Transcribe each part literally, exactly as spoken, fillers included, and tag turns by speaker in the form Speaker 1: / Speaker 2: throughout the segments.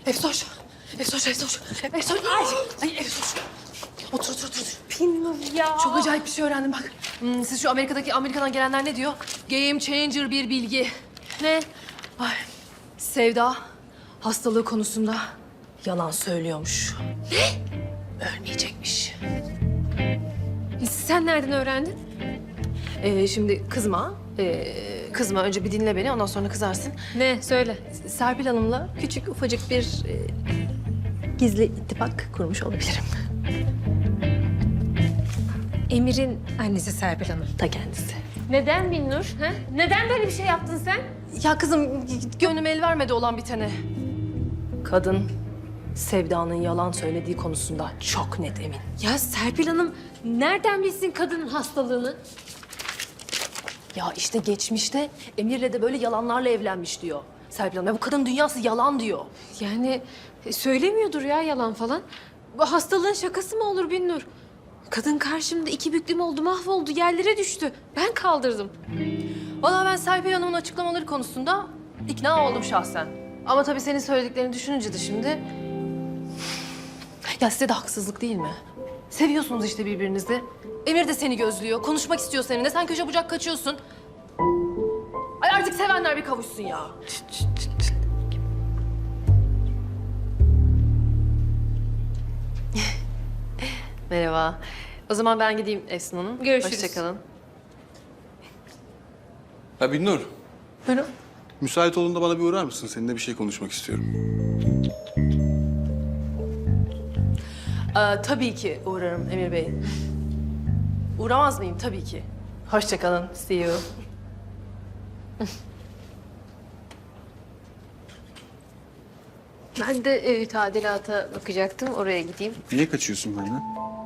Speaker 1: Efsoş. Efsoş, Efsoş. Efsoş. Ay, ay Efsoş. Otur, otur, otur.
Speaker 2: Bilmiyorum ya.
Speaker 1: Çok acayip bir şey öğrendim bak. Hmm, siz şu Amerika'daki, Amerika'dan gelenler ne diyor? Game changer bir bilgi.
Speaker 2: Ne?
Speaker 1: Ay, Sevda hastalığı konusunda yalan söylüyormuş. Ne? Ölmeyecekmiş.
Speaker 2: Sen nereden öğrendin?
Speaker 1: Ee, şimdi kızma. Ee, kızma. Önce bir dinle beni, ondan sonra kızarsın.
Speaker 2: Ne? Söyle.
Speaker 1: Serpil Hanım'la küçük ufacık bir e, gizli ittifak kurmuş olabilirim.
Speaker 2: Emir'in annesi Serpil Hanım.
Speaker 1: Ta kendisi.
Speaker 2: Neden Binnur? Ha? Neden böyle bir şey yaptın sen?
Speaker 1: Ya kızım, gönlüm el vermedi olan bitene. Kadın Sevda'nın yalan söylediği konusunda çok net emin.
Speaker 2: Ya Serpil Hanım nereden bilsin kadının hastalığını?
Speaker 1: Ya işte geçmişte Emir'le de böyle yalanlarla evlenmiş diyor Serpil Hanım. Ya bu kadın dünyası yalan diyor.
Speaker 2: Yani e, söylemiyordur ya yalan falan. Bu hastalığın şakası mı olur Binnur? Kadın karşımda iki büklüm oldu, mahvoldu, yerlere düştü. Ben kaldırdım.
Speaker 1: Vallahi ben Serpil Hanım'ın açıklamaları konusunda ikna oldum şahsen. Ama tabii senin söylediklerini düşününce de şimdi... Ya size de haksızlık değil mi? Seviyorsunuz işte birbirinizi. Emir de seni gözlüyor, konuşmak istiyor seninle. Sen köşe bucak kaçıyorsun. Ay artık sevenler bir kavuşsun ya. Merhaba. O zaman ben gideyim Efsun Hanım.
Speaker 2: Görüşürüz.
Speaker 1: Hoşçakalın.
Speaker 3: Ha Binnur,
Speaker 1: Buyurun.
Speaker 3: müsait olduğunda bana bir uğrar mısın? Seninle bir şey konuşmak istiyorum.
Speaker 1: Ee, tabii ki uğrarım Emir Bey. Uğramaz mıyım? Tabii ki. Hoşçakalın. See you.
Speaker 2: Ben de e, tadilata bakacaktım, oraya gideyim.
Speaker 3: Niye kaçıyorsun benden?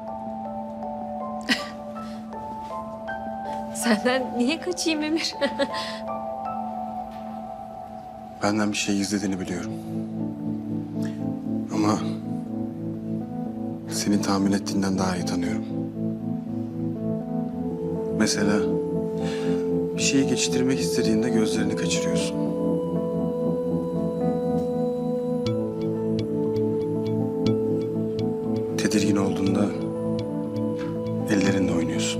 Speaker 2: Senden niye kaçayım Emir?
Speaker 3: Benden bir şey gizlediğini biliyorum. Ama seni tahmin ettiğinden daha iyi tanıyorum. Mesela bir şeyi geçiştirmek istediğinde gözlerini kaçırıyorsun. Tedirgin olduğunda ellerinle oynuyorsun.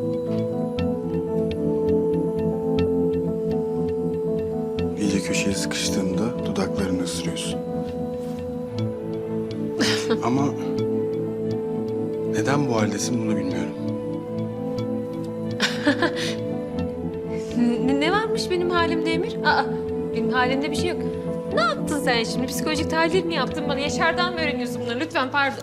Speaker 3: İyice köşeye sıkıştığında dudaklarını ısırıyorsun. Ama neden bu haldesin bunu bilmiyorum.
Speaker 2: Ne, ne varmış benim halimde Emir? Aa, benim halimde bir şey yok. Ne yaptın sen şimdi? Psikolojik tahlil mi yaptın bana? Yaşar'dan mı öğreniyorsun bunları? Lütfen pardon.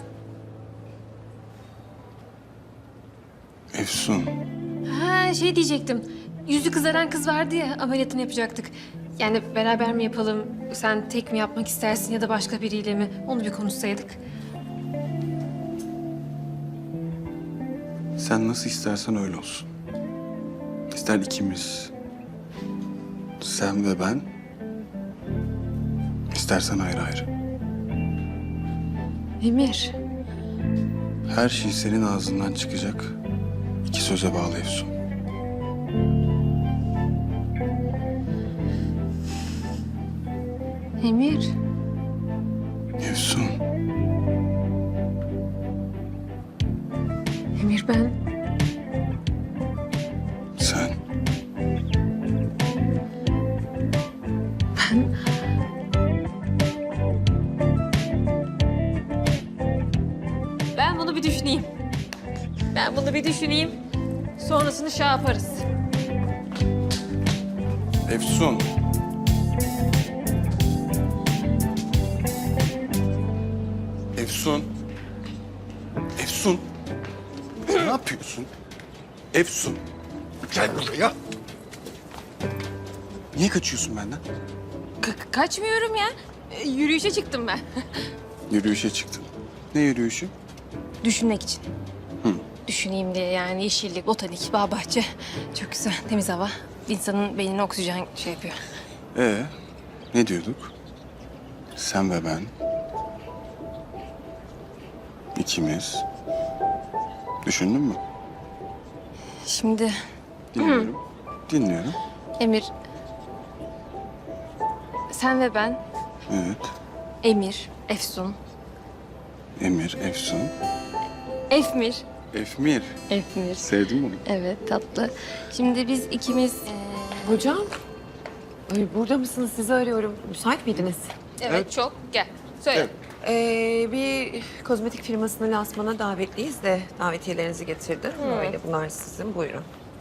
Speaker 3: Efsun,
Speaker 2: Ha şey diyecektim. Yüzü kızaran kız vardı ya, ameliyatını yapacaktık. Yani beraber mi yapalım, sen tek mi yapmak istersin ya da başka biriyle mi? Onu bir konuşsaydık.
Speaker 3: sen nasıl istersen öyle olsun. İster ikimiz, sen ve ben, istersen ayrı ayrı.
Speaker 2: Emir,
Speaker 3: Her şey senin ağzından çıkacak iki söze bağlı Efsun.
Speaker 2: Emir.
Speaker 3: Efsun,
Speaker 2: Emir ben...
Speaker 3: sen
Speaker 2: Ben... Ben bunu bir düşüneyim. Ben bunu bir düşüneyim. Sonrasını şey yaparız.
Speaker 3: Efsun. Efsun. Efsun. Ne yapıyorsun? Efsun. Gel buraya. Niye kaçıyorsun benden?
Speaker 2: Ka- kaçmıyorum ya. E, yürüyüşe çıktım ben.
Speaker 3: Yürüyüşe çıktın. Ne yürüyüşü?
Speaker 2: Düşünmek için. Düşüneyim diye yani yeşillik, botanik, bağ bahçe. Çok güzel, temiz hava. İnsanın beynine oksijen şey yapıyor.
Speaker 3: Ee, ne diyorduk? Sen ve ben. İkimiz. Düşündün mü?
Speaker 2: Şimdi
Speaker 3: Dinliyorum.
Speaker 2: Emir... Sen ve ben
Speaker 3: Evet.
Speaker 2: Emir, Efsun.
Speaker 3: Emir, Efsun,
Speaker 2: Efmir.
Speaker 3: Efmir.
Speaker 2: Efmir.
Speaker 3: Sevdim bunu.
Speaker 2: Evet, tatlı. Şimdi biz ikimiz...
Speaker 4: Hocam, ay burada mısınız? Sizi arıyorum. Müsait miydiniz?
Speaker 2: Evet,
Speaker 3: Evet.
Speaker 2: çok. Gel. Söyle.
Speaker 3: Evet.
Speaker 4: Ee, bir kozmetik firmasının lansmana davetliyiz de davetiyelerinizi getirdim. Öyle bunlar sizin. Buyurun.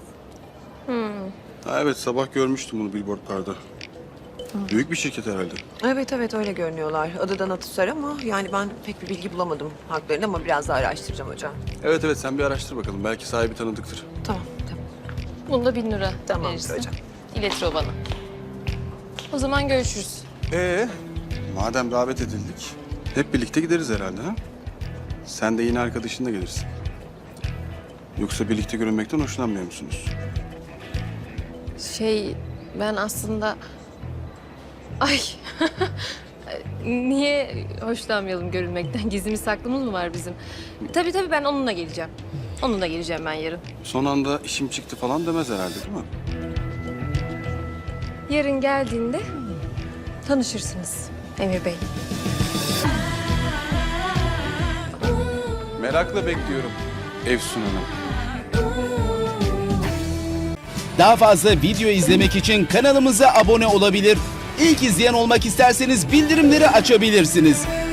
Speaker 3: Ha, evet sabah görmüştüm bunu billboardlarda. Büyük bir şirket herhalde.
Speaker 4: Evet evet öyle görünüyorlar. Adıdan Atusar ama yani ben pek bir bilgi bulamadım haklarını ama biraz daha araştıracağım hocam.
Speaker 3: Evet evet sen bir araştır bakalım. Belki sahibi tanıdıktır.
Speaker 4: Tamam tamam.
Speaker 2: Bunda bin lira
Speaker 4: Tamamdır
Speaker 2: verirsin.
Speaker 4: hocam.
Speaker 2: İletir o bana. O zaman görüşürüz.
Speaker 3: Ee, madem davet edildik, hep birlikte gideriz herhalde ha? Sen de yine arkadaşınla gelirsin. Yoksa birlikte görünmekten hoşlanmıyor musunuz?
Speaker 2: Şey, ben aslında... Ay, niye hoşlanmayalım görünmekten? Gizlimiz saklımız mı var bizim? Tabii tabii ben onunla geleceğim. Onunla geleceğim ben yarın.
Speaker 3: Son anda işim çıktı falan demez herhalde değil mi?
Speaker 2: Yarın geldiğinde tanışırsınız Emir Bey.
Speaker 3: Merakla bekliyorum Efsun Hanım.
Speaker 5: Daha fazla video izlemek için kanalımıza abone olabilir. İlk izleyen olmak isterseniz bildirimleri açabilirsiniz.